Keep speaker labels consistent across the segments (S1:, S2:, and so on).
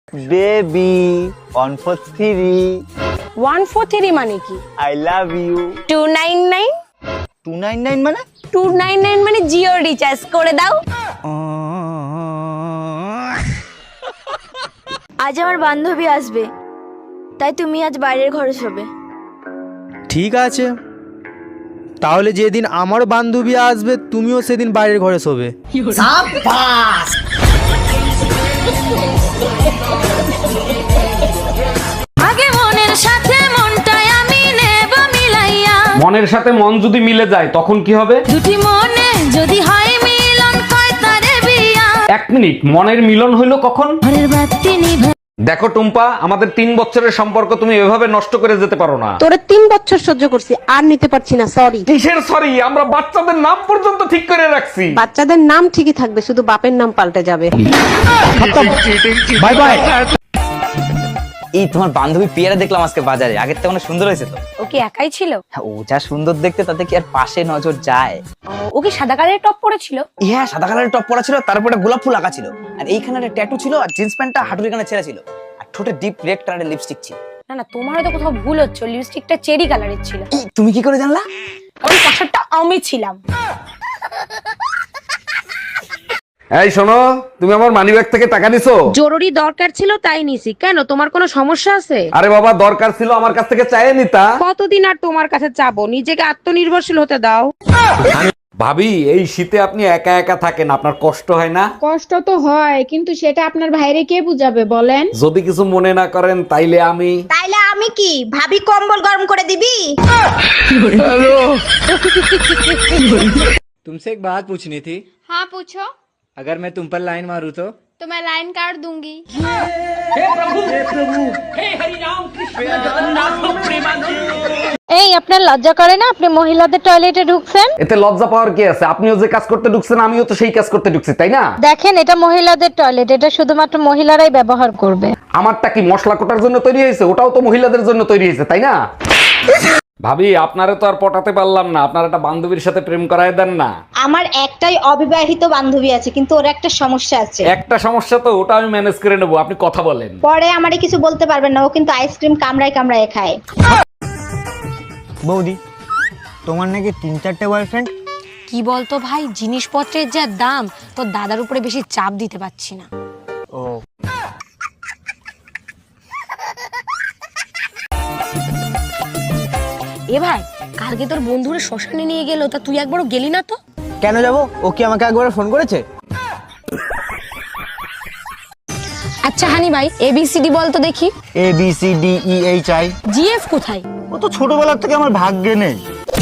S1: Baby 143
S2: 143 মানে কি?
S1: I love you
S2: 299
S1: 299 মানে
S2: 299 মানে জিও রিচার্জ করে দাও।
S3: আজ আমার বান্ধবী আসবে, তাই তুমি আজ বাইরের ঘরে শোবে।
S4: ঠিক আছে, তাহলে যেদিন আমার বান্ধবী আসবে তুমিও সেদিন বাইরের ঘরে শোবে।
S3: আগে মনের সাথে মনটাই আমি নেব মিলাইয়া,
S5: মনের সাথে মন যদি মিলে যায় তখন কি হবে?
S3: দুটি মনে যদি হয় মিলন কয় তারে বিয়া।
S5: 1 মিনিট, মনের মিলন হইলো কখন?
S3: ঘরের বাতি নিভে
S5: দেখো টুম্পা, আমাদের 3 বছরের সম্পর্ক তুমি এভাবে নষ্ট করে যেতে পারো না।
S2: তোরে 3 বছর সহ্য করছি, আর নিতে পারছি না, সরি।
S5: কিসের সরি? আমরা বাচ্চাদের নাম পর্যন্ত ঠিক করে রাখছি।
S2: বাচ্চাদের নাম ঠিকই থাকবে, শুধু বাপের নাম পাল্টে যাবে।
S4: Bye bye.
S1: এই তোমার বান্ধবী পেয়ারা দেখলাম আজকে বাজারে, আগের থেকে অনেক সুন্দর হয়েছে তো।
S2: ও কি একাই ছিল?
S1: হ্যাঁ, ও যা সুন্দর দেখতে তাতে কি আর পাশে নজর যায়?
S2: ও কি সাদা কালারের টপ পরেছিল?
S1: হ্যাঁ, সাদা কালারের টপ পরা ছিল, তারপরে গোলাপ ফুল আঁকা ছিল, আর এইখানে একটা ট্যাটু ছিল, আর জিন্স প্যান্টটা হাঁটুর এখানে ছেঁড়া ছিল, আর ঠোঁটে ডিপ রেড কালারের লিপস্টিক ছিল।
S2: না না, তোমার হয়তো কোথাও ভুল হচ্ছে, লিপস্টিকটা চেরি কালারের ছিল।
S1: এই, তুমি কি করে জানলা?
S2: ওই পাশারটা আমি ছিলাম।
S5: এই শোনো, তুমি আমার মানিব্যাগ থেকে টাকা নিছো?
S2: জরুরি দরকার ছিল তাই নিছি। কেন, তোমার কোনো সমস্যা আছে?
S5: আরে বাবা, দরকার ছিল আমার কাছ থেকে চাইয়ে নিতা।
S2: কতদিন আর তোমার কাছে চাবো? নিজেকে আত্মনির্ভরশীল হতে দাও।
S5: ভাবি, এই শীতে আপনি একা একা থাকেন, আপনার কষ্ট হয় না?
S6: কষ্ট তো হয়, কিন্তু সেটা আপনার ভাইরে কে বুঝাবে বলেন?
S5: যদি কিছু মনে না করেন তাইলে আমি
S3: তাইলে আমি কি ভাবি কম্বল গরম করে দিবি?
S4: तुमसे एक बात पूछनी थी।
S6: हाँ पूछो।
S4: अगर मैं तुम पर लाइन मारूं
S6: तो मैं लाइन काट दूंगी।
S7: এই আপনার লজ্জা করে না? আপনি মহিলাদের টয়লেটে ঢুকছেন।
S5: এতে লজ্জা পাওয়ার কি আছে? আপনিও যে কাজ করতে ঢুকছেন আমিও তো সেই কাজ করতে ঢুকছি, তাই না?
S7: দেখেন, এটা মহিলাদের টয়লেট, এটা শুধুমাত্র মহিলারাই ব্যবহার করবে।
S5: আমারটা কি মশলা কোটার জন্য তৈরি হয়েছে? ওটাও তো মহিলাদের জন্য তৈরি হয়েছে, তাই না? ভাবি, আপনারে তো আর পটাতে পারলাম না, আপনার একটা বান্ধবীর সাথে প্রেম করায় দেন না।
S3: আমার একটাই অবিবাহিত বান্ধবী আছে, কিন্তু ওর একটা সমস্যা আছে।
S5: একটা সমস্যা তো, ওটা আমি ম্যানেজ করে নেবো, আপনি কথা বলেন।
S3: পরে আমারে কিছু বলতে পারবেন না, ও কিন্তু আইসক্রিম কামড়ায় কামড়ায় খায়।
S1: বৌদি, তোমার নাকি 3-4টে বয়ফ্রেন্ড?
S2: কি বলতো ভাই, জিনিসপত্রের যা দাম, তোর দাদার উপরে বেশি চাপ দিতে পারছি না।
S1: ও,
S2: এ ভাই, কালকে তোর বন্ধুরা শ্মশানে নিয়ে গেল, তা তুই একবারও গেলি না তো?
S1: কেন যাবো? ও কি আমাকে একবার ফোন করেছে?
S2: আচ্ছা হানি ভাই, ABCD বল তো দেখি।
S1: ABCDEHI।
S2: GF কোথায়?
S1: ও তো ছোটবেলার থেকে আমার ভাগ্যে নেই।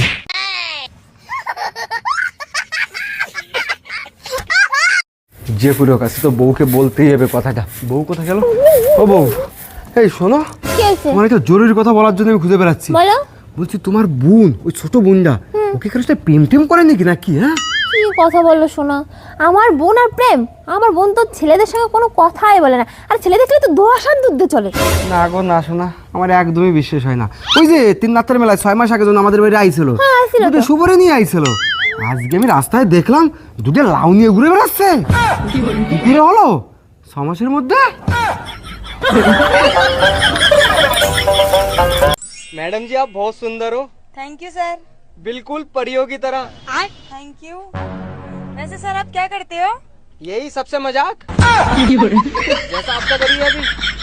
S4: যে পুরো কাছে তো বউকে বলতেই হবে কথাটা। বউ কোথায় গেল? ও বউ, এই শোনো, তোমার একটা জরুরি কথা বলার জন্য আমি খুঁজে বেড়াচ্ছি।
S3: বলো।
S4: বলছি তোমার বোন, ওই ছোট বোনটা, ওকে কারোর সাথে প্রেম টেম করে নাকি নাকি? হ্যাঁ,
S8: কি কথা বললো শোনা? আমার বোন আর প্রেম? আমার বোন তো ছেলেদের সঙ্গে কোনো কথাই বলে না, আর ছেলে দেখলে তো দোয়াশান দুধ চলে।
S4: না গো না শোনা, আমার একদমই বিশ্বাস হয় না। ওই যে 3 রাতের মেলায় 6 মাস আগে যখন আমাদের বাড়ি আইছিল, দুটো সুপারি নিয়ে আইছিল, আজকে আমি রাস্তায় দেখলাম দুটো লাউ নিয়ে ঘুরে বেড়াচ্ছে। কি করে হলো 6 মাসের মধ্যে? मैडम जी, आप बहुत सुंदर हो।
S3: Thank you sir.
S4: बिल्कुल परियों की तरह।
S3: Thank you. वैसे सर आप क्या करते हो?
S4: यही सबसे मजाक जैसा आपका करिए अभी।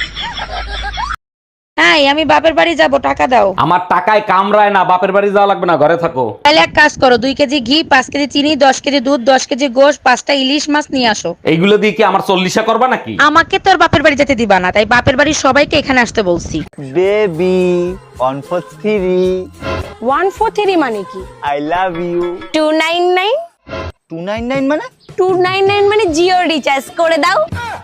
S2: হ্যাঁ, আমি বাপের বাড়ি যাব, টাকা দাও।
S5: আমার টাকায় কামড়ায় না, বাপের বাড়ি যাওয়া লাগবে না, ঘরে থাকো।
S2: তাহলে এক কাজ করো, 2 কেজি ঘি, 5 কেজি চিনি, 10 কেজি দুধ, 10 কেজি গোশ, 5টা ইলিশ মাছ নিয়ে আসো।
S5: এইগুলো দিয়ে কি আমার 40 করবা নাকি?
S2: আমাকে তো আর বাপের বাড়ি যেতে দিবা না, তাই বাপের বাড়ির সবাইকে এখানে আসতে বলছি।
S1: বেবি 143
S2: 143 মানে কি?
S1: আই লাভ ইউ
S2: 299
S1: 299 মানে
S2: 299 মানে জিও রিচার্জ করে দাও।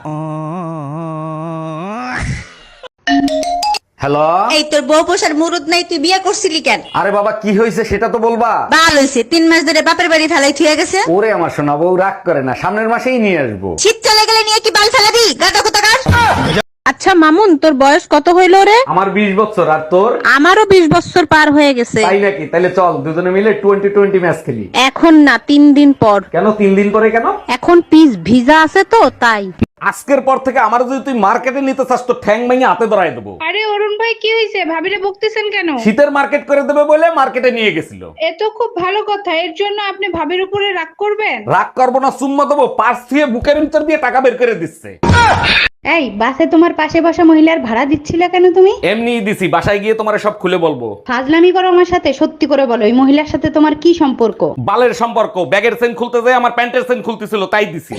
S5: হ্যালো,
S3: এই তোর বউ পোষার মুরুদ নাই, তুই বিয়ে করছিলি কেন?
S5: আরে বাবা, কি হয়েছে সেটা তো বলবা।
S3: বাল হইছে, 3 মাস ধরে বাপের বাড়ি ফেলাই থুয়ে গেছে।
S5: ওরে আমার সোনা বউ, রাগ করে না, সামনের মাসেই নিয়ে আসবো।
S3: শীত চলে গেলে নিয়ে কি বাল ফেলাবি? গাদা কোথাকার।
S2: আচ্ছা
S7: মামুন, তোর বয়স কত হইল রে?
S5: আমার 20 বছর, আর তোর?
S7: আমারও 20 বছর পার হয়ে গেছে।
S5: তাই নাকি? তাহলে চল দুজনে মিলে 20-20 ম্যাচ খেলি।
S7: এখন না, 3 দিন পর।
S5: কেন 3 দিন পরে কেন?
S7: এখন পিস ভিজা আছে তো তাই।
S5: আজকের পর থেকে আমার যদি তুই মার্কেটে নিতে চাস তো ঠ্যাং ভেঙে হাতে ধরাই দেবো।
S6: আরে অরুণ ভাই, কি হয়েছে? ভাবিরে বকতেছেন কেন?
S5: শীতের মার্কেট করে দেবে বলে মার্কেটে নিয়ে গেছিল।
S6: এ তো খুব ভালো কথা। এর জন্য আপনি ভাবির উপরে রাগ করবেন?
S5: রাগ করবো না, চুম্মা দেবো। পার্স দিয়ে বুকের ভিতর দিয়ে টাকা বের করে দিচ্ছে।
S6: এই বাসে তোমার পাশে বসা মহিলার ভাড়া দিচ্ছিলে কেন তুমি?
S5: এমনি দিছি, বাসায় গিয়ে তোমার সব খুলে বলবো।
S6: ফাজলামি করো আমার সাথে? সত্যি করে বলো, এই মহিলার সাথে তোমার কি সম্পর্ক?
S5: বালের সম্পর্ক। ব্যাগের চেন খুলতে যায় আমার প্যান্টের চেন খুলতেছিল, তাই দিছি।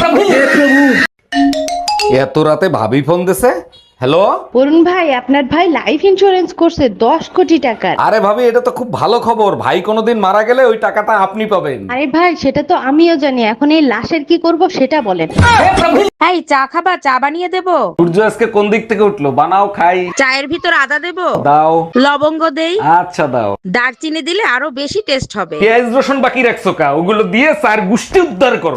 S5: এত রাতে ভাবি ফোন দিছে। হ্যালো
S6: অরুণ ভাই, আপনার ভাই লাইফ ইন্স্যুরেন্স করছে 10 কোটি টাকার।
S5: আরে ভাবি, এটা তো খুব ভালো খবর। ভাই কোনোদিন মারা গেলে ওই টাকাটা আপনি পাবেন।
S6: আরে ভাই, সেটা তো আমিও জানি। এখন এই লাশের কি করব সেটা বলেন।
S7: এই চা খাবা? চা বানিয়ে দেবো?
S5: সূর্য আজকে কোন দিক থেকে উঠলো? বানাও খাই।
S7: চায়ের ভিতর আদা দেবো?
S5: দাও।
S7: লবঙ্গ দেই?
S5: আচ্ছা দাও।
S7: দারচিনি দিলে আরো বেশি টেস্ট হবে।
S5: পেঁয়াজ রসুন বাকি রাখছো কা? ওগুলো দিয়ে চার গুষ্টি উদ্ধার করো।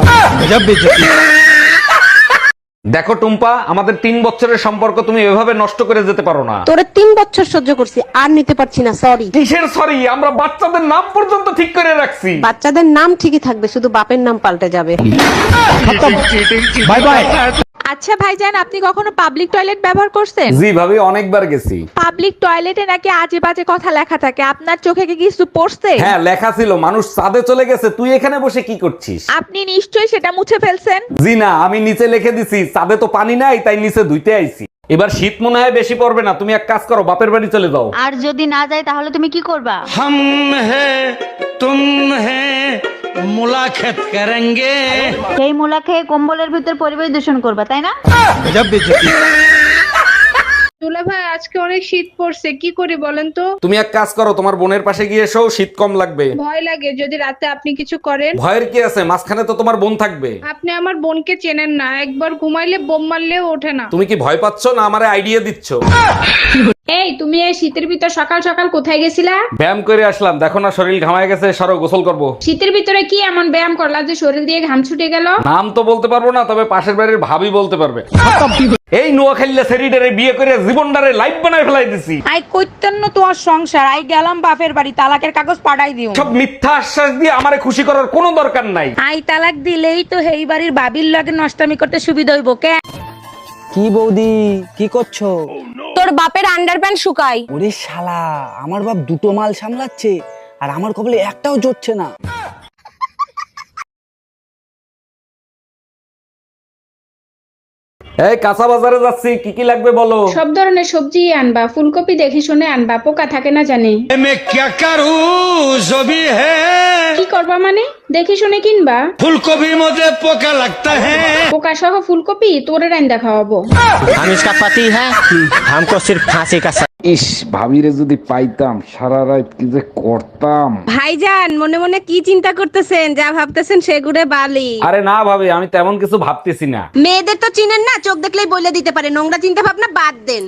S5: দেখো টুম্পা, আমাদের 3 বছরের সম্পর্ক তুমি এভাবে নষ্ট করে যেতে পারো না।
S7: তোরে 3 বছর সহ্য করছি, আর নিতে পারছি না, সরি।
S5: কিসের সরি? আমরা বাচ্চাদের নাম পর্যন্ত ঠিক করে রাখছি।
S7: বাচ্চাদের নাম ঠিকই থাকবে, শুধু বাপের নাম পাল্টে যাবে।
S5: Bye bye.
S7: আচ্ছা ভাইজান, আপনি কখনো পাবলিক টয়লেট ব্যবহার করছেন?
S5: জি ভাবি, অনেকবার গেছি।
S7: পাবলিক টয়লেটে নাকি আজে বাজে কথা লেখা থাকে, আপনার চোখে কি কিছু পড়ছে?
S5: হ্যাঁ, লেখা ছিল মানুষ চাঁদে চলে গেছে, তুই এখানে বসে কি করছিস?
S7: আপনি নিশ্চয়ই সেটা মুছে ফেলছেন।
S5: জি না, আমি নিচে লিখে দিছি চাঁদে তো পানি নাই, তাই নিচে ধুইতে আইছি। এবার শীত মনে হয় বেশি পড়বে না, তুমি এক কাজ করো, বাপের বাড়ি চলে যাও।
S3: আর যদি না যায় তাহলে তুমি কি করবা?
S9: हम हैं तुम हैं मुलाकात करेंगे।
S3: সেই মুলা খেয়ে কম্বলের ভিতর পরিবেশ দূষণ করবা, তাই না?
S6: দুলা ভাই, আজকে অনেক শীত পড়ছে, কি করি বলেন তো?
S5: তুমি এক কাজ করো, তোমার বোনের পাশে গিয়ে এসো, শীত কম লাগবে।
S6: ভয় লাগে যদি রাতে আপনি কিছু করেন।
S5: ভয়ের কি আছে? মাঝখানে তো তোমার বোন থাকবে।
S6: আপনি আমার বোনকে চেনেন না, একবার ঘুমাইলে বোম মারলেও ওঠে না।
S5: তুমি কি ভয় পাচ্ছ না আমারে আইডিয়া দিচ্ছ?
S6: এই তুমি এই শীতের ভিতর সকাল সকাল কোথায় গেছিলা?
S5: ব্যায়াম করে আসলাম, দেখো না শরীর ঘামায় গেছে, সরো গোসল করব।
S6: শীতের ভিতরে কি এমন ব্যায়াম করলা যে শরীর দিয়ে ঘাম ছুটে গেল?
S5: নাম তো বলতে পারবো না, তবে পাশের বাড়ির ভাবি বলতে পারবে। এই নোয়াখালীলা সেরিডারে বিয়ে করে জীবনটারে লাইফ বানায় ফেলাই দিছি।
S7: আই কইতেন না তোমার সংসার, আই গেলাম বাপের বাড়ি, তালাকের কাগজ পাঠাই দিও।
S5: সব মিথ্যা আশ্বাস দিয়ে আমারে খুশি করার কোনো দরকার নাই।
S7: আই তালাক দিলেই তো এই বাড়ির বাবির লগে নষ্টামি করতে সুবিধা হইব। কে
S1: কি বৌদি, কি করছো?
S2: তোর বাপের আন্ডারপ্যান্ট শুকাই।
S1: ওরে শালা, আমার বাপ দুটো মাল সামলাচ্ছে আর আমার কপালে একটাও জুটছে না।
S5: এই কাঁচা বাজারে যাচ্ছি, কি কি লাগবে বলো?
S6: সব ধরনের সবজি আনবা, ফুলকপি দেখে শুনে আনবা, পোকা থাকে না জানি।
S9: मैं क्या करूं जो भी है
S6: কি করবা মানে? দেখে শুনে কিনবা।
S9: फूलगोभी मुझे पोका लगता है।
S6: পোকা সহ ফুলকপি তোরে রাইন্দা খাওয়াবো।
S10: हम इसका पति है, हमको सिर्फ फांसी का
S5: ইস, ভাবিরে যদি পাইতাম, সারা রাত কি যে করতাম।
S7: ভাইজান, মনে মনে কি চিন্তা করতেছেন? যা ভাবতেছেন সেগুড়ে বালি।
S5: আরে না ভাবি, আমি তেমন কিছু ভাবতেছি না।
S7: মেয়েদের তো চিনেন না, চোখ দেখলেই বলে দিতে পারে। নোংরা চিন্তা ভাবনা বাদ দেন।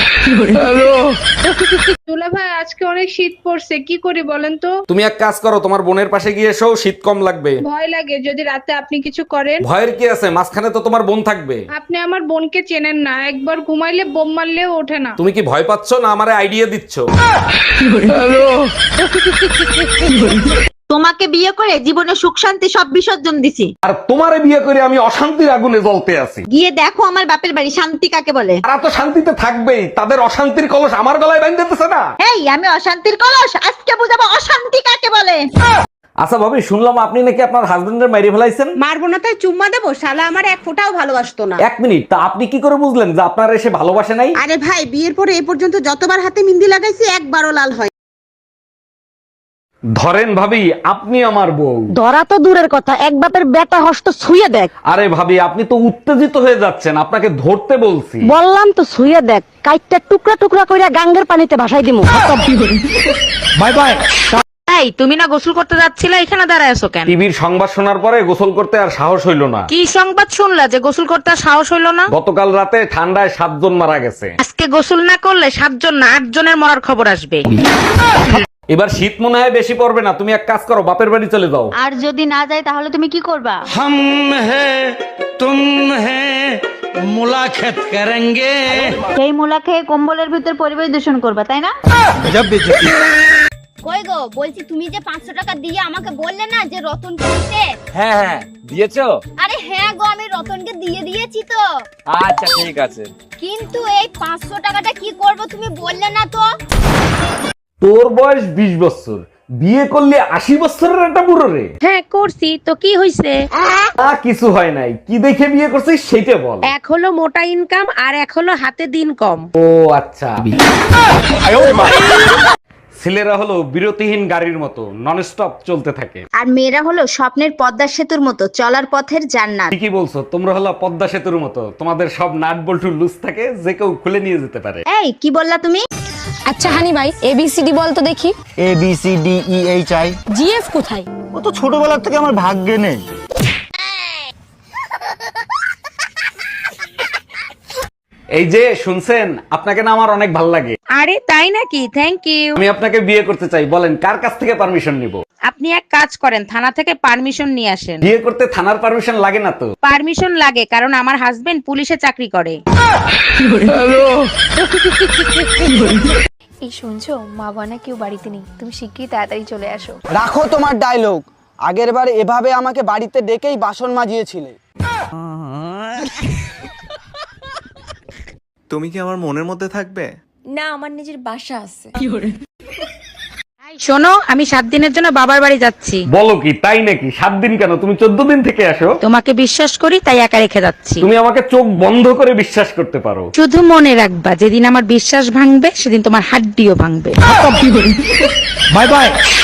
S6: দুলা ভাই, আজকে অনেক শীত পড়ছে, কি করি বলেন তো?
S5: তুমি এক কাজ করো, তোমার বোনের পাশে গিয়ে এসো, শীত কম লাগবে।
S6: ভয় লাগে যদি রাতে আপনি কিছু করেন।
S5: ভয়ের কি আছে? মাঝখানে তো তোমার বোন থাকবে।
S6: আপনি আমার বোনকে চেনেন না, একবার ঘুমাইলে বোম মারলেও ওঠে না।
S5: তুমি কি ভয় পাচ্ছ না আমারে আইডিয়া দিচ্ছ?
S3: তোমাকে বিয়ে করে জীবনে সুখ শান্তি সব বিসর্জন দিছি।
S5: আর তোমারে বিয়ে করে আমি অশান্তির আগুনে জ্বলতে আছি।
S3: গিয়ে দেখো আমার বাপের বাড়ি শান্তি কাকে বলে।
S5: তারা তো শান্তিতে থাকবেই, তাদের অশান্তির কলস আমার গলায় বাঁধতেছে না।
S3: এই আমি অশান্তির কলস, আজকে বুঝাবো অশান্তি কাকে বলে।
S5: আচ্ছা ভাবি, শুনলাম আপনি নাকি আপনার হাজবেন্ডের মেরে ফেলাইছেন।
S7: মারবো না তাই চুম্মা দেবো? শালা আমার এক ফোঁটাও ভালোবাসতো না।
S5: এক মিনিট, তা আপনি কি করে বুঝলেন যে আপনার এসে ভালোবাসে নাই?
S7: আরে ভাই, বিয়ের পরে এই পর্যন্ত যতবার হাতে মেহেন্দি লাগাইছি একবারও লাল হয়।
S5: ধরেন ভাবি, আপনি আমার বউ।
S7: ধরা তো দূরের কথা, এক বাপের বেটা হস্ত ছুঁয়ে দেখ।
S5: আরে ভাবি, আপনি তো উত্তেজিত হয়ে যাচ্ছেন, আপনাকে ধরতে বলছি।
S7: বললাম তো ছুঁয়ে দেখ, কাইটটা টুকরা টুকরা কইরা গাঙ্গের পানিতে ভাসাই দিমু।
S5: Bye bye.
S7: এই তুমি না গোসল করতে যাচ্ছিলে, এখানে দাঁড়ায় আছো কেন?
S5: টিভির সংবাদ শোনার পরে গোসল করতে আর সাহস হইল না।
S7: কি সংবাদ শুনলা যে গোসল করতে আর সাহস হইলো না?
S5: গতকাল রাতে ঠান্ডায় 7 জন মারা গেছে।
S7: আজকে গোসল না করলে 7 জন না 8 জনের মরার খবর আসবে।
S5: এবার শীত মনে হয় বেশি পড়বে না, তুমি এক কাজ করো, বাপের বাড়ি চলে যাও।
S7: আর যদি না যায় তাহলে তুমি কি করবা?
S9: हम है तुम है मुलाकात करेंगे।
S7: সেই মুলা খেয়ে কম্বলের ভিতর পরিবেশ দূষণ করবা, তাই না?
S8: কই গো, বলছি তুমি যে 500 টাকা দিয়ে আমাকে বললে না যে রতনকে দিতে।
S5: হ্যাঁ হ্যাঁ দিয়েছো?
S8: আরে হ্যাঁ গো, আমি রতনকে দিয়ে দিয়েছি তো।
S5: আচ্ছা ঠিক আছে।
S8: কিন্তু এই 500 টাকাটা কি করব তুমি বললে না তো।
S5: তোর বয়স 20 বছর, বিয়ে করলে 80 বছরের একটা বুড়ো রে।
S7: হ্যাঁ করছি তো, কি হইছে?
S5: কিছু হয় নাই, কি দেখে বিয়ে করছিস সেইটা বল।
S7: এক হলো মোটা ইনকাম আর এক হলো হাতে দিন কম।
S5: ও আচ্ছা। ছেলেরা হলো বিরতিহীন গাড়ির মতো, নন স্টপ চলতে থাকে।
S8: আর মেয়েরা হলো স্বপ্নের পদ্মা সেতুর মতো, চলার পথের জান্নাত।
S5: ঠিকই বলছো, তোমরা হলো পদ্মা সেতুর মতো, তোমাদের সব নাট বল্টু লুজ থাকে, যে কেউ খুলে নিয়ে যেতে পারে।
S8: এই কি বললা তুমি?
S2: আচ্ছা হানি ভাই ABCD বল তো দেখি।
S10: ABCDEHI।
S2: GF কোথায়?
S10: ও তো ছোটবেলার থেকে আমার ভাগ্যে নেই।
S5: এই যে শুনছেন, আপনাকে না আমার অনেক ভালো লাগে।
S7: আরে তাই নাকি? Thank you.
S5: আমি আপনাকে বিয়ে করতে চাই, বলেন কার কাছ থেকে পারমিশন নিব?
S7: আপনি এক কাজ করেন, থানা থেকে পারমিশন নিয়ে আসেন।
S5: বিয়ে করতে থানার পারমিশন লাগে না তো?
S7: পারমিশন লাগে, কারণ আমার হাজবেন্ড পুলিশে চাকরি করে।
S8: এই শুনছো, মা বাবা কেউ বাড়িতে নেই, তুমি শিগগিরই তাড়াতাড়ি চলে আসো।
S1: রাখো তোমার ডায়লগ, আগের বার এভাবে আমাকে বাড়িতে ডেকেই বাসন মাজিয়েছিলে।
S11: তুমি কি আমার মনের মধ্যে থাকবে?
S8: না, আমার নিজের বাসা আছে।
S7: শোনো, আমি 7 দিনের জন্য বাবার বাড়ি যাচ্ছি।
S5: বলো কি, তাই নাকি? 7 দিন কেন, তুমি 14 দিন থেকে আসো।
S7: তোমাকে বিশ্বাস করি তাই একা রেখে যাচ্ছি।
S5: তুমি আমাকে চোখ বন্ধ করে বিশ্বাস করতে পারো।
S7: শুধু মনে রাখবা, যেদিন আমার বিশ্বাস ভাঙবে সেদিন তোমার হাড্ডিও ভাঙবে।
S5: Bye by.